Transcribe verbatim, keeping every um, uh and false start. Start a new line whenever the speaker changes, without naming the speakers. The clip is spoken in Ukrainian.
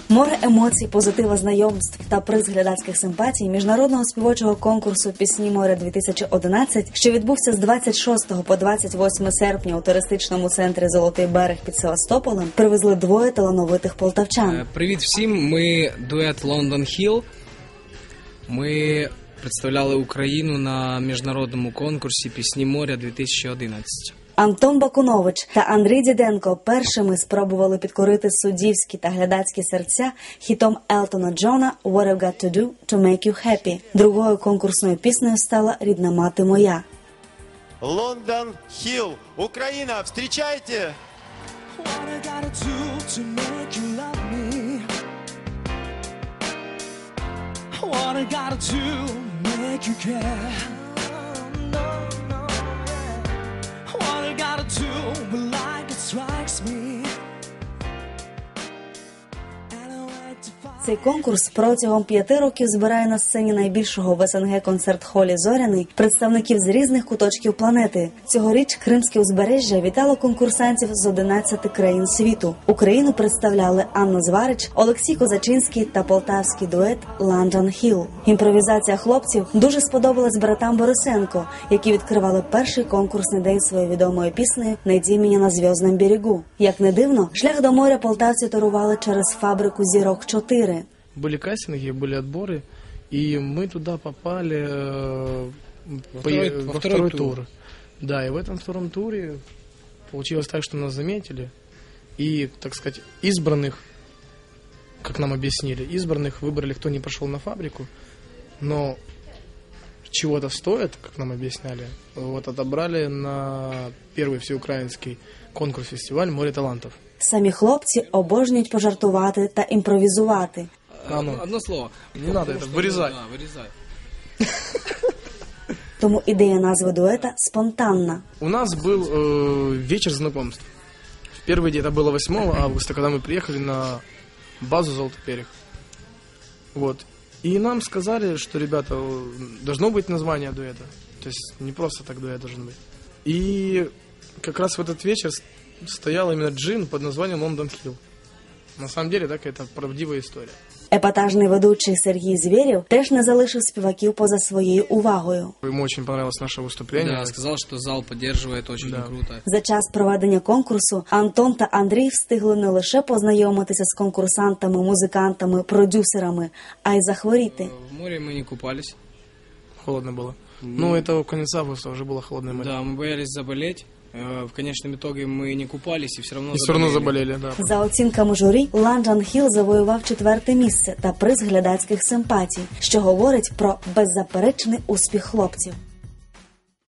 Море емоцій, позитива, знайомств та приз глядацьких симпатій міжнародного співочого конкурсу «Пісні моря-дві тисячі одинадцять», що відбувся з двадцять шостого по двадцять восьме серпня у туристичному центрі «Золотий берег» під Севастополем, привезли двоє талановитих полтавчан.
Привіт всім, ми дует London Hill. Ми представляли Україну на міжнародному конкурсі «Пісні моря-дві тисячі одинадцять».
Антон Бакунович та Андрій Діденко першими спробували підкорити суддівські та глядацькі серця хітом Елтона Джона «What I've Got to Do to Make You Happy». Другою конкурсною піснею стала «Рідна мати моя».
London Hill, Україна, встречайте!
What I gotta do to make you love me? What I gotta do make you care? What I gotta do but like it strikes me?
Цей конкурс протягом п'яти років збирає на сцені найбільшого в СНГ концерт-холі «Зоряний» представників з різних куточків планети. Цьогоріч Кримське узбережжя вітало конкурсантів з одинадцяти країн світу. Україну представляли Анна Зварич, Олексій Козачинський та полтавський дует «London Hill». Імпровізація хлопців дуже сподобалась братам Борисенко, які відкривали перший конкурсний день своєю відомою піснею «Найди мене на зв'язному берегу». Як не дивно, шлях до моря полтавці торували через фабрику «Зірок чотири».
Были кастинги, были отборы, и мы туда попали э,
во,
по,
второй,
во,
во
второй,
второй
тур.
тур.
Да, и в этом втором туре получилось так, что нас заметили, и, так сказать, избранных, как нам объяснили, избранных выбрали, кто не пошел на фабрику, но чего-то стоит, как нам объясняли, вот отобрали на первый всеукраинский конкурс-фестиваль «Море талантов».
Самі хлопці обожнюють пожартувати та імпровізувати.
А ну.
Одно слово.
Не надо это, вырезай.
Да, вырезай.
Тому ідея назви дуета спонтанна.
У нас был э, вечер знакомств. В первый день, это было восьмого августа, когда мы приехали на базу «Золотой берег». Вот. И нам сказали, что, ребята, должно быть название дуэта. То есть не просто так дуэт должен быть. И как раз в этот вечер стоял именно джин под названием «London Hill». На самом деле, так, это правдивая история.
Епатажний ведучий Сергій Звєрєв теж не залишив співаків поза своєю увагою.
Ему очень понравилось наше выступление.
Да, сказал, что зал поддерживает, очень
Да.
круто.
За час проведення конкурсу Антон та Андрій встигли не лише познайомитися з конкурсантами, музикантами, продюсерами, а й захворіти.
В море мы не купались.
Холодно было. Ну, это в конец августа уже было холодное море.
Да, мы боялись заболеть. В конечном итоге мы не купались и все равно
И все равно заболели, да.
За оцінками журі, London Hill завоював четверте місце та приз глядацьких симпатій, що говорить про беззаперечний успіх хлопців.